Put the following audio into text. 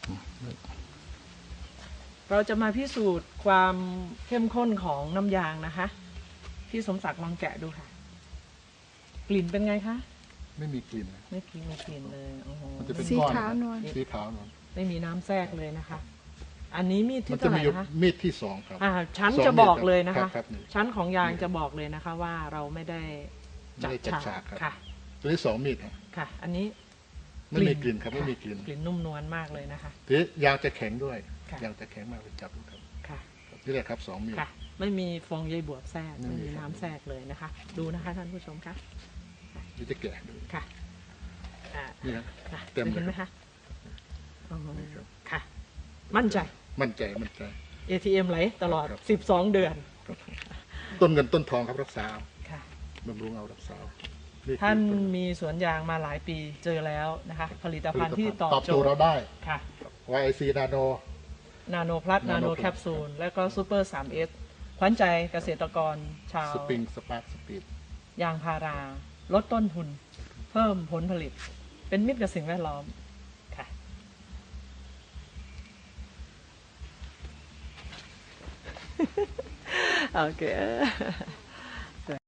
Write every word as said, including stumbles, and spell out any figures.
เราจะมาพิสูจน์ความเข้มข้นของน้ำยางนะคะพี่สมศักดิ์ลองแกะดูค่ะกลิ่นเป็นไงคะไม่มีกลิ่นไม่กลิ่นไม่กลิ่นเลยโอ้โหมันจะเป็นสีก้อนขาวนวลสีขาวนวลไม่มีน้ำแทรกเลยนะคะ อันนี้มีดมัที่นจะเท่าไหมีร่อยู่นะคะมีดที่สองครับอ่าชั้นสองจะบอกมีดเลยนะครัคะบครับนี่ชั้นของยางจะบอกเลยนะคะ ว่าเราไม่ได้จัดไม่ได้จัดฉากฉากครับค่ะตัวที่สองมีดครับค่ะ อันนี้ไม่มีกลิ่นครับไม่มีกลิ่นกลิ่นนุ่มนวลมากเลยนะคะทีนี้ยางจะแข็งด้วยค่ะยางจะแข็งมากเลยจับดูครับค่ะนี่แหละครับสองมีดค่ะ ไม่มีฟองใยบวบแทรกไม่ไม่มีมีครับน้ำแทรกเลยนะคะ ดูนะคะท่านผู้ชมคะนี่จะแกะดูค่ะอ่านี่นะค่ะเต็มเลยเห็นไหมคะอ๋อนี่ครับค่ะ มั่นใจมั่นใจมั่นใจเอ ที เอ็ม ไหลตลอดครับสิบสอง เดือนต้นเงินต้นทองครับรักษาเอาค่ะบำรุงเอารักษาเอาคือท่านต้มีสวนยางมาหลายปีเจอแล้วนะคะ ผลิตภัณฑ์ที่ตอบตอบโจโจททย์เราย์ได้ค่ะวาย ไอ ซี นาโนนาโนพลัสนาโน Nano แคปซูล และก็ซูเปอร์ ทรี เอส ขวัญใจเกษตรกรชาวสปริงสปาร์คสปีดยางพารา ลดต้นทุน เพิ่มผลผลิต เป็นมิตรกับสิ่งแวดล้อม ค่ะ โอเค